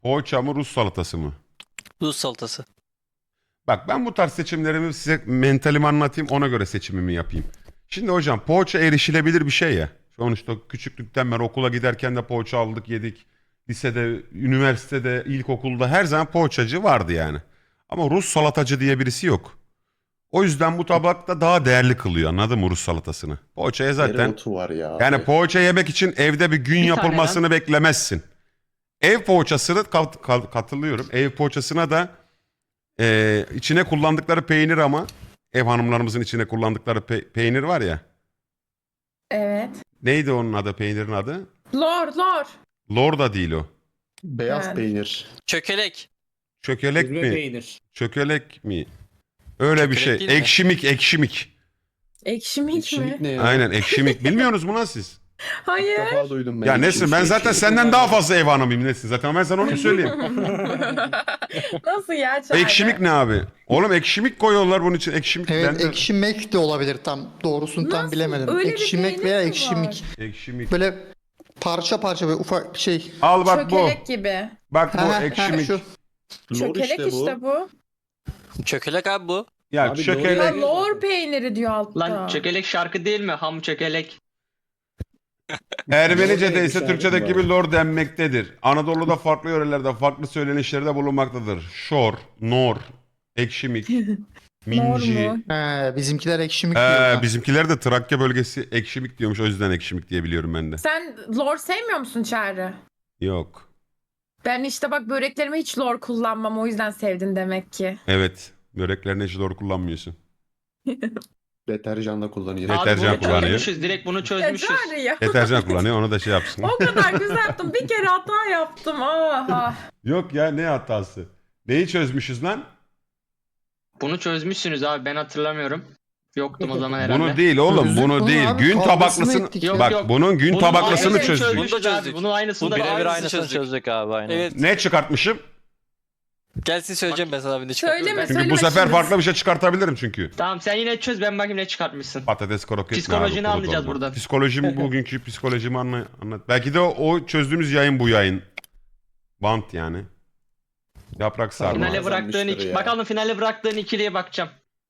Poğaça mı Rus salatası mı? Rus salatası. Bak ben bu tarz seçimlerimi size mentalimi anlatayım ona göre seçimimi yapayım. Şimdi hocam poğaça erişilebilir bir şey ya. Sonuçta küçüklükten beri okula giderken de poğaça aldık yedik. Lisede, üniversitede, ilkokulda her zaman poğaçacı vardı yani. Ama Rus salatacı diye birisi yok. O yüzden bu tabakta daha değerli kılıyor anladın mı Rus salatasını? Poğaçaya zaten Dereotu var ya yani abi. poğaça yemek için evde bir gün Bir tane yapılmasını beklemezsin. Ev poğaçasını katılıyorum. Ev poğaçasına da içine kullandıkları peynir ama ev hanımlarımızın içine kullandıkları peynir var ya. Evet. Neydi onun adı peynirin adı? Lor. Lor da değil o. Beyaz Yani. peynir. Çökelek. Çökelek Süzme mi? peynir. Çökelek mi? Öyle bir Çökelek şey. değil mi? Ekşimik. Ekşimik Ekşimik mi? ne ya? Aynen ekşimik. Bilmiyorsunuz mu lan siz? İlk Hayır. defa duydum ben. Ya Ekşimik Nesin ben şey. zaten senden daha fazla ev hanımıyım Nesin. Zaten ben sana onu söyleyeyim. Nasıl ya Çağrı? Ekşimik ne abi? Oğlum ekşimik koyuyorlar bunun için. Ekşimik ben Evet de- ekşimek de olabilir tam doğrusunu tam Nasıl? bilemedim. Öyle bir Ekşimek peynir veya mi var? ekşimik. Ekşimik. Böyle parça parça böyle ufak şey. Al bak bu. Çökelek gibi. Bak bu Ha, ha, ekşimik. şu. Lor Çökelek işte bu. Çökelek abi bu. Ya Abi çökelek. doğru. Ya lor peyniri diyor altta. Lan çökelek şarkı değil mi? Ham çökelek. Ermenice'de Lor ise neymiş Türkçedeki abi? gibi lor denmektedir. Anadolu'da farklı yörelerde farklı söylenişlerde bulunmaktadır. Şor, nor, ekşimik, minci. Nor mu? Bizimkiler ekşimik diyorlar. Bizimkiler de Trakya bölgesi ekşimik diyormuş. O yüzden ekşimik diye biliyorum ben de. Sen lor sevmiyor musun Çağrı? Yok. Ben işte bak böreklerime hiç lor kullanmam o yüzden sevdin demek ki. Evet. Böreklerine hiç lor kullanmıyorsun. Deterjanla kullanıyor. Deterjan Abi bunu kullanıyor. çözmüşüz. Direkt bunu Ya çözmüşüz. Çağrı ya. Deterjan kullanıyor onu da şey yapsın. O kadar güzel yaptım. Bir kere hata yaptım. Aha. Yok ya ne hatası? Neyi çözmüşüz lan? Bunu çözmüşsünüz abi. Ben hatırlamıyorum. Yoktum o zaman herhalde. Bunu değil oğlum Çözdük bunu bunu değil. abi, Gün kavgasını tabaklısını ettik ya. bak Yok, yok. bunun gün Bunun tabaklısını aynısını çözdük. çözmüşüz Bunu da abi. çözdük. Bunun aynısını Bu da birebir aynısını aynısını çözdük. çözdük abi aynen. Evet. Ne çıkartmışım? Gelsin söyleyeceğim ben sana bir de Söyleme, çıkartıyorum. Çünkü bu Söyleme sefer şimdi. farklı bir şey çıkartabilirim çünkü. Tamam sen yine çöz ben bakayım ne çıkartmışsın. Patates kroket. Psikolojini ne abi, anlayacağız kurut olma. buradan. Psikolojim bugünkü psikolojimi anlat. Belki de o çözdüğümüz yayın bu yayın. Bant yani. Yaprak sarma. Finale Finale bıraktığın Bazenmiştir ya. bakalım finale bıraktığın ikiliye bakacağım.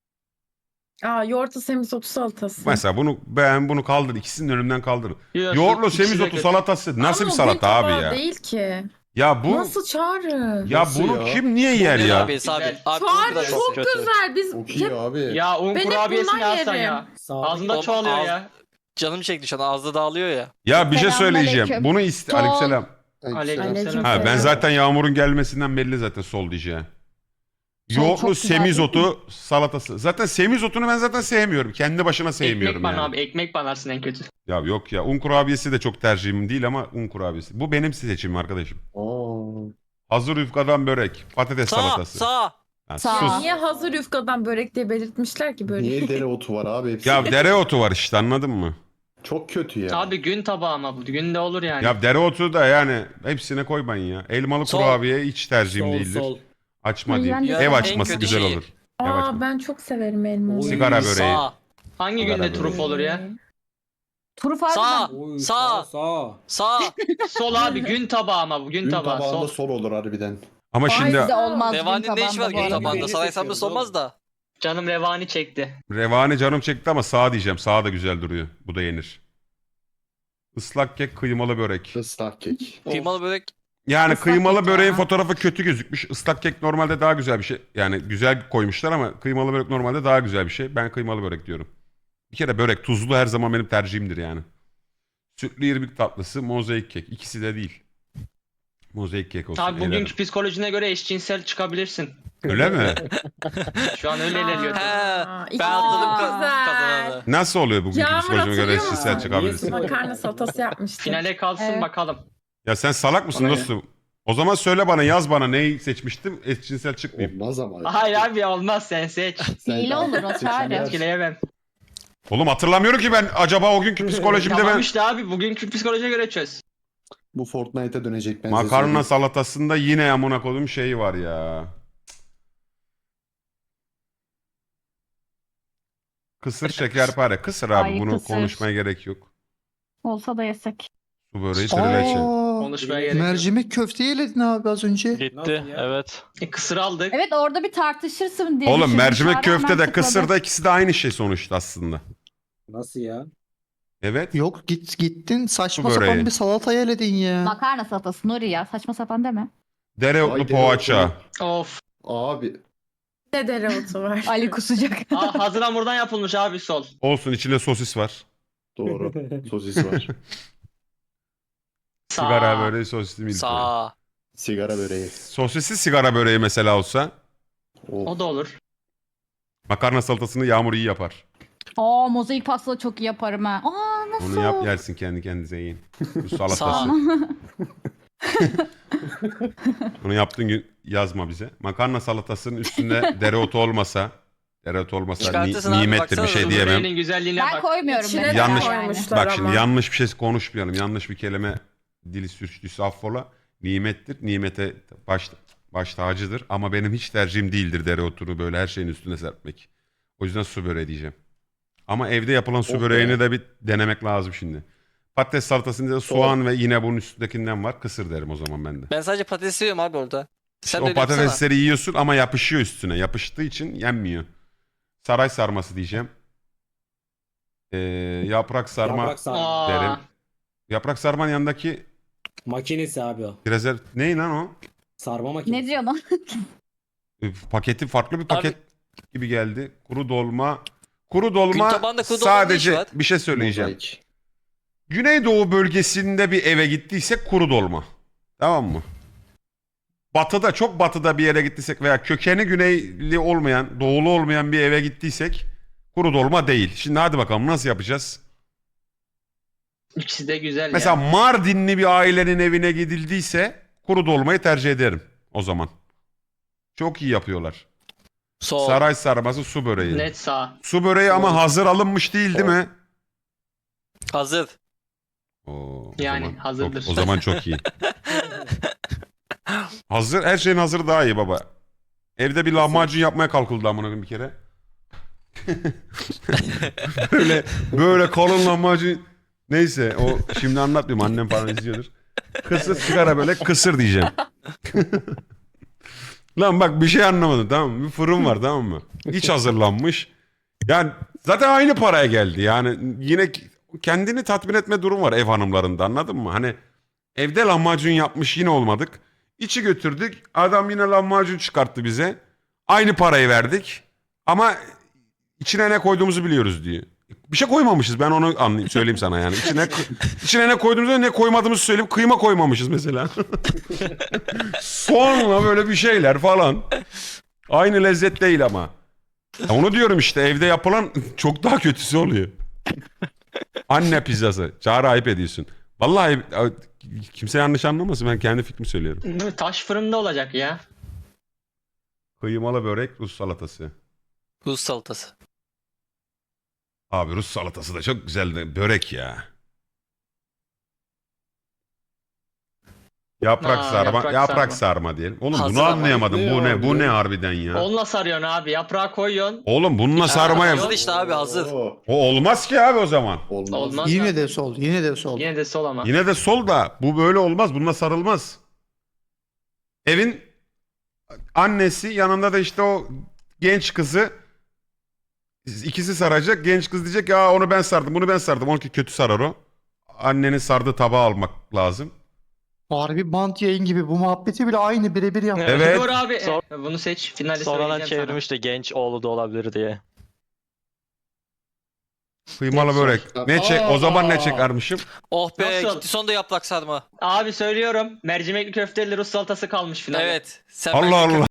Aa yoğurtlu semizotu salatası. Mesela bunu kaldır. İkisinin önümden kaldır. Yok, Yoğurtlu ikisi de semizotu kötü. salatası. Nasıl Ama bir o salata gün abi tabağı ya? değil ki. Ya bu Nasıl Çağrı? ya Nasıl bunu ya? kim niye yer Güzel ya? abi abi. Güzel. Abi Çağrı bu da çok kötü. güzel. Biz Çok iyi hep abi. Ya un Ben hep kurabiyesi bundan ne alsan yerim. ya. Sağdaki Ağzında Oğlum, çoğalıyor ağız- ya. Canım çekti şu an ağızda dağılıyor ya. Ya bir şey söyleyeceğim. Selamünaleyküm. Bunu Tom. Aleykümselam. Aleykümselam. Ha ben Selam. zaten Yağmur'un gelmesinden belli zaten sol diyeceğim. Sol Yoğurtlu çok güzel semizotu salatası. Zaten semizotunu ben zaten sevmiyorum. Kendi başına sevmiyorum Ekmek bana yani. abi ekmek banarsın en kötü. Ya yok ya un kurabiyesi de çok tercihim değil ama un kurabiyesi. Bu benim seçimim arkadaşım. Oo. Hazır yufkadan börek, patates Sağ salatası. sağ. Ha, Sağ. sus. niye hazır yufkadan börek diye belirtmişler ki böyle? Niye dereotu var abi hepsi? Ya dereotu var işte anladın mı? Çok kötü ya. Abi gün tabağı ama bu. Günde olur yani. Ya dereotu da yani hepsine koymayın ya. Elmalı Sol. kurabiye hiç tercihim Sol değildir. sol. Açma Ay, değil. ben de Ev sevmem. açması En kötü güzel şey. olur. Ev açması. Aa ben çok severim elmalı. Sigara böreği. Sağ. Hangi Sigara günde turuf olur ya? Turuf Sağ. harbiden. Oy, Sağ. sağ. Sağ. Sol abi gün tabağı ama bu gün Gün tabağı. tabağında Sol. sol olur harbiden. Ama şimdi Ay, Bizde olmaz. Devanin ne işi var gün tabağında gün bu arada. tabağında? Beni Saray seçiyoruz sablısı olmaz da. Canım revani çekti. revani canım çekti ama sağ diyeceğim. Sağ da güzel duruyor. Bu da yenir. Islak kek, kıymalı börek. Islak kek. Kıymalı börek. Yani Islak kıymalı kek böreğin ya. fotoğrafı kötü gözükmüş. Islak kek normalde daha güzel bir şey. Yani güzel koymuşlar ama kıymalı börek normalde daha güzel bir şey. Ben kıymalı börek diyorum. Bir kere börek tuzlu her zaman benim tercihimdir yani. Sütlü irmik tatlısı, mozaik kek. İkisi de değil. Mozaik kek olsun. Abi elerim. bugünkü psikolojine göre eşcinsel çıkabilirsin. Öyle mi? Şu an öyle ilerliyor. Aa, He. ikisi Ben de atladım güzel. kazananı. Nasıl oluyor bugünkü Yağmur psikolojime göre hatırlıyor eşcinsel musun? çıkabilirsin? Makarna salatası yapmıştık. Finale kalsın Evet. bakalım. Ya sen salak mısın Bana ne? dostum? O zaman söyle bana yaz bana neyi seçmiştim eşcinsel çıkmayayım. Olmaz ama. Hayır abi olmaz sen seç. Sen Hile daha olur o seçimler- Çağrı. Etkileyemem. Oğlum hatırlamıyorum ki ben acaba o günkü psikolojimde Tamam ben işte abi bugünkü psikolojiye göre çöz. Bu Fortnite'a dönecek ben size makarna söyleyeyim. salatasında yine amına koyduğum şey var ya. Kısır şekerpare. Kısır abi Ay, bunu kısır. konuşmaya gerek yok. Olsa da yesek. Su böreği trileçe. Konuşmaya gerek yok. Mercimek köfteyi yeledin abi az önce. Gitti. Evet. Kısır aldık. Evet orada bir tartışırsın diye Oğlum düşündüm. mercimek Çağrı köfte hemen de kısır tıkladı. da ikisi de aynı şey sonuçta aslında. Nasıl ya? Evet. Yok gittin saçma Bu böreği. sapan bir salata yeledin ya. Makarna salatası Nuri ya saçma sapan deme. Dereotlu Ay, poğaça. Of. Abi Ne dereotu var. Ali kusacak. Hazır hamurdan yapılmış abi sol. Olsun, içinde sosis var. doğru. Sosis var. Sağ. Sigara böreği, sosisli milföy. Sağ. Sigara böreği. Sosisli sigara böreği mesela olsa. Of. O da olur. Makarna salatasını Yağmur iyi yapar. Aa mozaik pasta çok iyi yaparım ha. Aa nasıl? Onu yap yersin kendi kendinize yiyin. Bu Sağ. salatası. Onu yaptığın gün yazma bize. Makarna salatasının üstünde dereotu olmasa Çıkartırsın abi, nimettir bir baksana. şey diyemem. Böreğinin güzelliğine Ben bak. koymuyorum İçine mesela Yanlış- koymuşlar Bak ama. şimdi yanlış bir şey konuşmayalım. Yanlış bir kelime dili sürçtüyse affola. Nimettir. Nimete baş tacıdır. Ama benim hiç tercihim değildir dereotunu böyle her şeyin üstüne serpmek. O yüzden su böreği diyeceğim. Ama evde yapılan su Oh be. böreğini de bir denemek lazım şimdi. Patates salatasında da soğan ve yine bunun üstündekinden var. Kısır derim o zaman ben de. Ben sadece patates yiyorum abi orada. Sen de O öyle yapsana. patatesleri yiyorsun ama yapışıyor üstüne. Yapıştığı için yenmiyor. Saray sarması diyeceğim. Yaprak sarma Yaprak sarma. Aa, derim. Yaprak sarmanın yanındaki Makinesi abi o. rezerv... Ne lan o? Sarma makinesi. Ne diyor lan? Paketi farklı bir paket gibi geldi. Kuru dolma. Kuru Gün dolma tabağında kuru dolma ne işi sadece var? bir şey söyleyeceğim. Mozaik. Güneydoğu bölgesinde bir eve gittiysek kuru dolma. Tamam mı? Batıda, çok batıda bir yere gittiysek veya kökeni güneyli olmayan, doğulu olmayan bir eve gittiysek kuru dolma değil. Şimdi hadi bakalım nasıl yapacağız? İkisi de güzel Mesela ya. Mardinli bir ailenin evine gidildiyse kuru dolmayı tercih ederim o zaman. Çok iyi yapıyorlar. Sol. Saray sarması, su böreği. Net sağ. Su böreği ama hazır alınmış değil mi? Hazır. Oo, o Yani zaman hazırdır. o zaman çok iyi. Hazır, her şeyin hazır daha iyi baba. Evde bir lahmacun yapmaya kalkıldı amına koyayım bir kere. böyle kalın lahmacun. Neyse o şimdi anlatmayayım, annem falan izliyordur. Kısır sigara böyle kısır diyeceğim. Lan bak bir şey anlamadım, tamam mı? Bir fırın var, tamam mı? İç hazırlanmış. Yani zaten aynı paraya geldi. Yani yine kendini tatmin etme durum var ev hanımlarında, anladın mı? Hani evde lahmacun yapmış yine olmadık. İçi götürdük. Adam yine lahmacun çıkarttı bize. Aynı parayı verdik. Ama içine ne koyduğumuzu biliyoruz diyor. Bir şey koymamışız, ben onu söyleyeyim sana yani. İçine ne koyduğumuzu ne koymadığımızı söyleyip kıyma koymamışız mesela. Soğanla böyle bir şeyler falan. Aynı lezzet değil ama. Ya onu diyorum işte, evde yapılan çok daha kötüsü oluyor. Anne pizzası. Çağrı ayıp ediyorsun. Vallahi kimse yanlış anlamasın, ben kendi fikrimi söylüyorum. Taş fırında olacak ya. Kıymalı börek, Rus salatası. Rus salatası. Abi Rus salatası da çok güzel de börek ya. Yaprak sarma, yaprak sarma diyelim. Oğlum Hazır bunu ama. anlayamadım. Ne Bu ne? abi? Bu ne harbiden ya? Onunla sarıyorsun abi. Yaprağı koyuyorsun. Oğlum bununla sarmaya... hazır işte abi, hazır. Oo, O olmaz ki abi o zaman. olmaz. Olmaz. Yine de sol, yine de sol. Yine de sol ama. Yine de sol da bu böyle olmaz. Bununla sarılmaz. Evin annesi, yanında da işte o genç kızı, ikisi saracak. Genç kız diyecek ya onu ben sardım, bunu ben sardım. Onunki kötü sarar o. Annenin sardığı tabağı almak lazım. Harbi bant yayın gibi bu muhabbeti bile aynı birebir yaptı. Evet. Dur abi. Sor- Bunu seç. Finalde Sonradan söyleyeceğim sana. çevirmiş de genç oğlu da olabilir diye. Kıymalı börek. Ne çek? O zaman ne Aa. çekermişim? Oh be, Nasıl? gitti sonunda yaprak sarma. Abi söylüyorum. Mercimekli köfteli Rus salatası kalmış finalde. Evet. Sen Allah bence Allah.